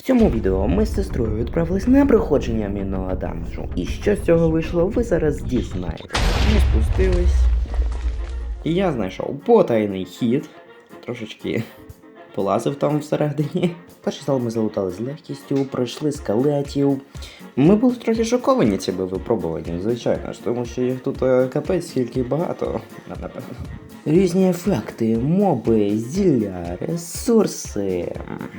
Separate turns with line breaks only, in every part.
цьому відео ми з сестрою відправились на проходження мінного дамажу. І що з цього вийшло, ви зараз дізнаєтесь. Ми спустились. І я знайшов потайний хід. Трошечки полазив там всередині. Перший зал ми залутали з легкістю, пройшли скелетів. Ми були трохи шоковані цими випробуваннями, звичайно ж, тому що їх тут капець скільки багато, напевно. Різні ефекти, моби, зілля, ресурси.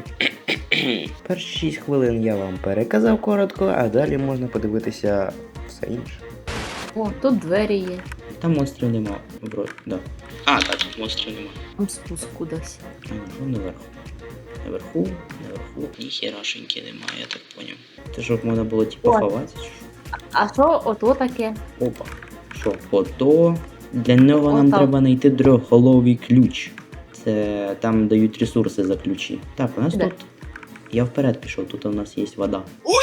Перші 6 хвилин я вам переказав коротко, а далі можна подивитися все інше.
О, тут двері є.
Там монстрів нема, вроді, да. А, так, монстрів нема.
Там спуск кудись.
А, ну наверху. Наверху, ніхерашеньки немає, я так поняв. Це щоб можна було типу
О.
ховатися, чи що?
А що ото таке?
Опа. Що? Ото. Для нього нам
Отам.
треба знайти трьохголовий ключ. Це там дають ресурси за ключі. Так, у нас
Де?
тут. Я вперед пішов, тут у нас є вода.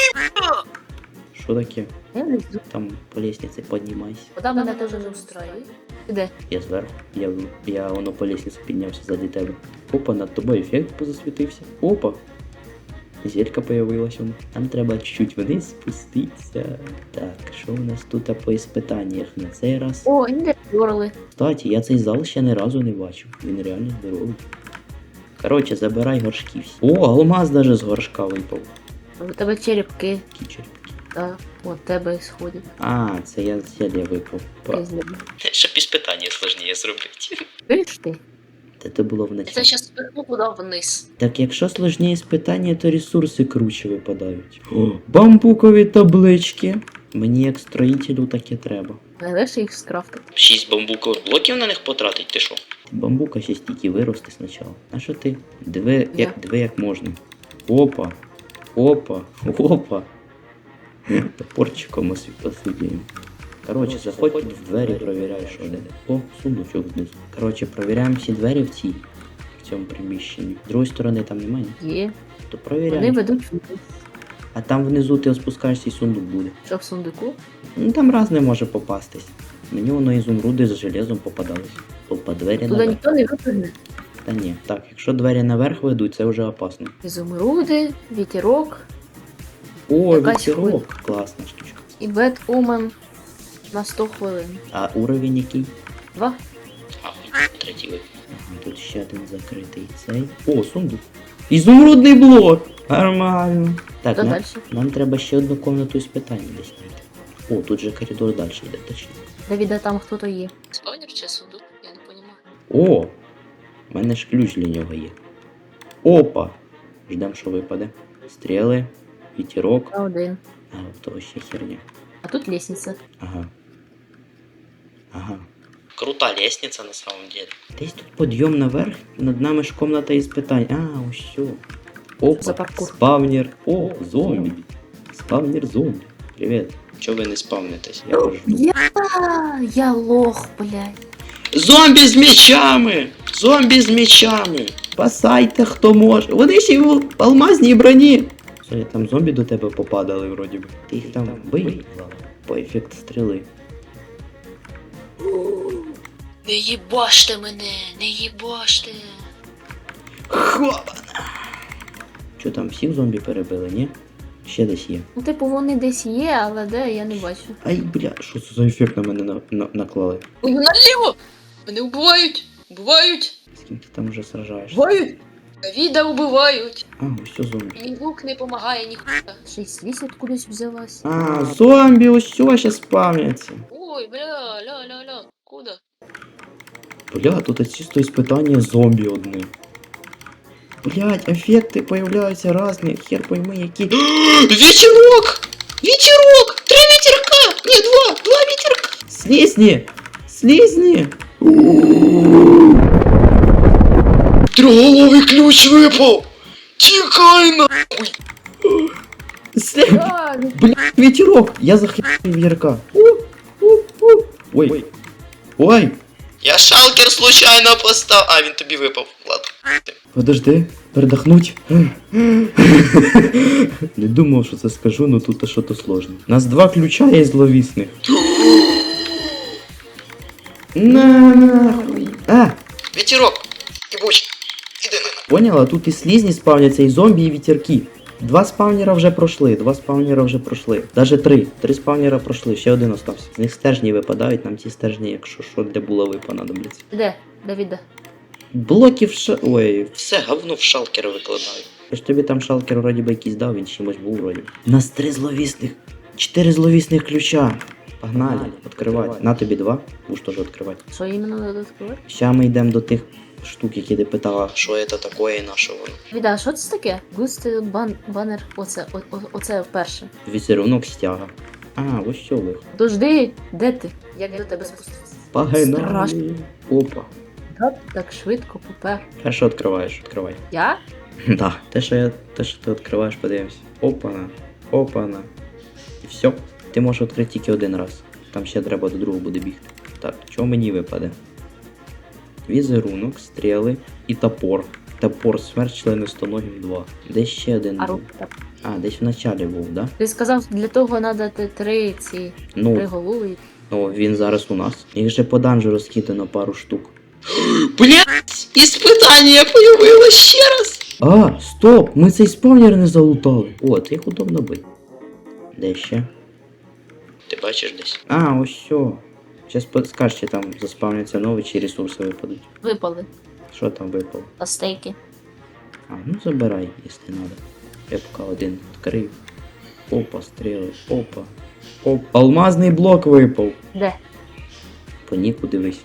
Що таке?
Я внизу.
Там по лестниці піднімайся.
Вода мене теж не устроює. Де?
Я зверху. Я воно по лестниці піднявся ззаді тебе. Опа, над тобою ефект позасвітився. Опа. Зелька появилась воно. Нам треба чуть-чуть вниз спуститися. Так, що у нас тут по іспитаннях на цей раз?
О, не дорли.
Кстати, я цей зал ще ні разу не бачив. Він реально здоровий. Коротше, забирай горшки всі. О, алмаз даже з горшка випав.
У тебе черепки.
Кічер.
Так, от тебе сходять.
А, це я зелья випав.
Щоб іспитання складніше зробити.
Видиш ти?
Це було вночі.
Це зараз спихну туди вниз.
Так якщо сложні питання, то ресурси круче випадають. О, бамбукові таблички. Мені як строїтелю таке треба.
Найлегше їх скрафтити.
6 бамбукових блоків на них потратить, ти що?
Бамбука ще стільки вирости спочатку. А що ти? Диви
Я.
як можна. Опа. Опа. Опа. Топорчиком посидіємо. Коротше, заходь в двері, провіряй, що де. О, сундучок знизу. Коротше, провіряємо всі двері в цьому приміщенні. З другої сторони там немає?
Є.
То
Вони
провіряй.
ведуть вниз.
А там внизу ти спускаєшся і сундук буде.
Що в сундуку?
Ну там різне може попастись. Мені воно ізумруди з железом попадались. Опа, двері
Туди
наверх.
ніхто не випрыгне.
Та ні. Так, якщо двері наверх ведуть, це вже опасно.
Ізумруди, вітерок
О,
Якась
вітерок. Класна штучка.
і Бет Омен на 100 хвилин.
А уровень який?
2.
А, третій випадок.
Ага, тут ще один закритий цей. О, сундук. Ізумрудний блок! Нормально. Так,
Що далі?
нам треба ще одну комнату із питання десь знайти. О, тут же коридор далі йде, точно.
Давіда, там хто-то є. Спавнер чи сундук? Я не розумію.
О! У мене ж ключ для нього є. Опа! Ждем, що випаде. Стріли, вітерок.
Я один.
А, в того ще херня.
А тут лестниця.
Ага. Ага.
Крута лестниця на самом деле.
Десь тут підйом наверх, над нами ж комната із питань. А, ось що.
За
Опа,
паркур.
спавнер. О, зомбі. Спавнер зомбі. Привіт.
Чого ви не спавнитесь?
Я вас жду.
Я лох, блядь.
Зомбі з мечами! Зомбі з мечами!
Спасайте, хто може. Вони ще й в алмазній броні. Що, там зомбі до тебе попадали вроді би. Ти їх там бий по ефекту стріли.
Не їбаште мене, не їбаште.
Хопана. Що там, всіх зомбі перебили, ні? Ще десь є.
Ну, типу, вони десь є, але де, я не бачу.
Ай, бля, що це за ефект на мене наклали?
Ой, наліво! Мене вбивають! Вбивають!
З ким ти там вже сражаєшся?
Вбивають! Давіда вбивають!
А, ось що зомбі.
Мій лук не допомагає ніхуя.
Ще й слізь откудись взялась.
А, зомбі, ось що ще спавняться.
Ой, бля, ля-ля-ля, куда?
Бля, тут чисто іспитання зомбі одне. Блять, ефекти появляються різні, хер пойми які.
Вітерок! Вітерок! 3 вітерка! Ні, 2 вітерка!
Слізні! Слізні!
Трьохголовий ключ випав! Тікай на!
Блять, ветерок! Я захищаю вітерка. Ой. Ой!
Я шалкер случайно постав. А, він тобі випав. Ладно.
Подожди, передохнуть. Не думав, що це скажу, но тут щось сложне. У нас 2 ключа є зловісних. Нахуй. А,
Вітерок! Ібуч! Іди на.
поняла? Тут і слізні спавняться, і зомбі, і вітерки. Два спавнера вже пройшли, Даже три. Три спавнера пройшли, ще один остався. З них стержні випадають, нам ці стержні, якщо що, для булави понадобляться.
Де? Давіда.
Блоків Ой,
Все говно в шалкер викладаю.
я ж тобі там шалкер вроді би якийсь дав, він чимось був вроді. У нас 4 зловісних ключа. Погнали, відкривати. На тобі 2, будеш теж відкривати.
Що іменно треба відкривати?
Ща ми йдемо до тих штук, які ти питала.
Що це таке і на що воно?
Давіда, а що це таке? Густи банер. Оце перше.
Візерунок стяга. А, ось що ви.
Дожди, де ти? Як я до тебе спустився? Страшно.
Погнали. Опа.
Так швидко попер.
Перше відкриваєш, відкривай.
Я?
Да, те, що ти відкриваєш, подивимось. Опана, опана. І все. Ти можеш відкрити тільки один раз. Там ще треба до другого буде бігти. Так, що мені випаде? Візерунок, стріли і топор. Топор, смерть членистоногим 2. Десь ще один
А
був.
рука.
А, десь в началі був, да?
Ти сказав, для того треба три три
Ну,
голови.
він зараз у нас. Їх же по данжу розкидано пару штук.
Блять! Іспитання появилось ще раз!
А, стоп! Ми цей спавнер не залутали. О, це їх удобно бити. Де ще?
Ти бачиш десь?
А, ось що. Зараз скажеш, чи там заспавняться нові, чи ресурси випадуть.
Випали.
Що там випало?
А стейки.
А, ну забирай, якщо треба. Я поки один відкрив. Опа, стріли, опа. Опа. Алмазний блок випав.
Де?
По ніку дивись.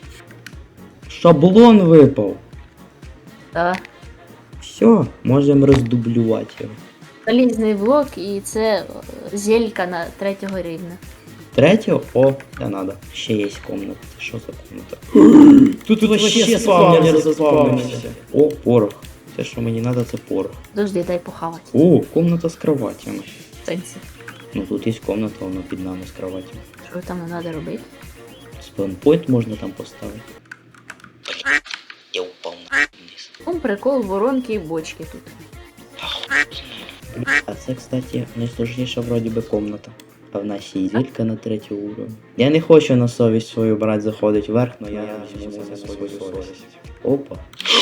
Шаблон випав.
Так.
Все, можемо роздублювати його.
Залізний блок і це зелька на 3-го рівня.
Третього? О, це надо. Ще є комната. Що за комната? Тут вообще спавнер заспавнився. О, порох. Все, що мені треба, це порох.
Дожди, дай похавати.
О, комната з кроватями.
Сенсі.
Ну тут є комната, вона під нами з кроватями.
Що там не треба робити?
Спаунпойнт можна там поставити.
Я упав на вниз.
Прикол, воронки і бочки тут.
А це, кстати, найсложніша вроді би комната. А в нас є зілька на 3-й уровень. Я не хочу на совість свою брати заходить вверх, но я візьму це на свою совість. Опа.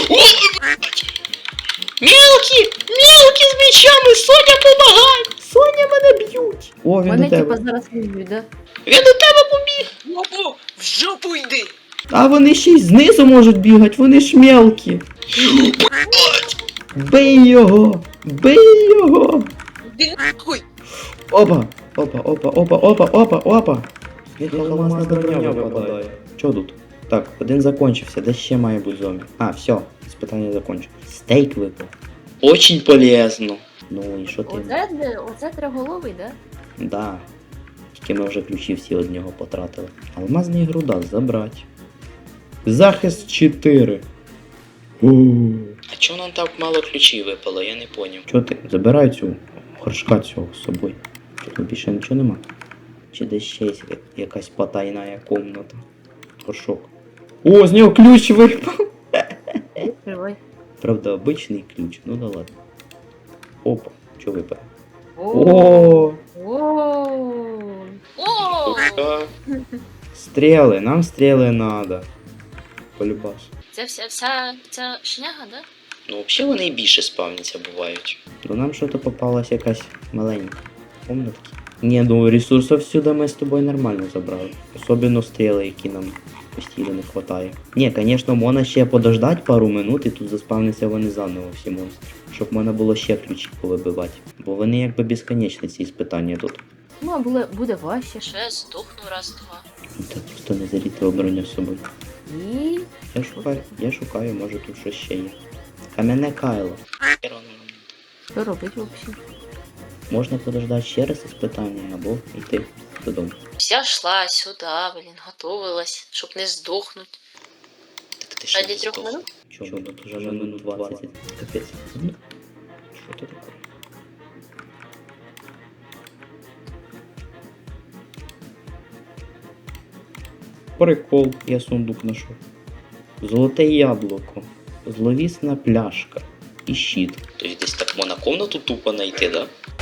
Мелкі! Мелкі з мечами! Соня, помагай!
Соня, мене б'ють! О, він
Мене
до
типа
тебе.
зараз виб'ють, да?
Він до тебе побіг!
Опа, в жопу йди!
А вони ще й знизу можуть бігати, вони ж мелкі. Бий його! Бий його!
Іди нахуй!
Опа! Опа, опа, опа, опа, опа, опа! З них алмазна броня випадає. Що тут? Так, один закончився, де ще має бути зомбі? А, все, спитання закончив. Стейк випав.
Очень полезно.
Ну і що ти?
Оце триголовий, да?
Да. Тільки ми вже ключі всі од нього потратили. Алмазний грудак забрати. Захист 4.
А чого нам так мало ключів випало, я не поняв.
Чо ти? Забирай цю горшка цього з собою. Що тут більше нічого нема? Чи десь ще є якась потайна комната? Горшок. О, з нього ключ випав!
Відкривай.
Правда, обичний ключ, ну да ладно. Опа, що випав?
О!
О,
О!
А,
стріли, нам стріли надо. Полюбас.
Це вся шняга, да?
ну взагалі вони і більше спавняться бувають.
До нам щось попалась якась маленька комнатка. Ні, ну ресурсів сюди ми з тобою нормально забрали. Особливо стріли, які нам постійно не вистачає. Ні, звісно, можна ще подождати пару минут і тут заспавниться вони заново всі монстри. Щоб можна було ще ключі повибивати. Бо вони якби безконечні ці іспитання тут.
Ну, а буде важче. Ще здохну раз-два.
Та просто не заліти обороня з собою.
І...
Я шукаю, може тут щось ще є. Кам'яне кайло.
Що робить взагалі?
Можна подождати ще раз іспитання або йти додому.
Вся йшла сюди, готовилась, щоб не здохнути.
Так ти ще
Ради
не
3
здох.
минут?
Чого тут вже минут 20? Капець. Ну, що це таке? Прикол, я сундук знайшов. Золоте яблуко, зловісна пляшка і щит.
Тобто десь так можна комнату тупо знайти, да?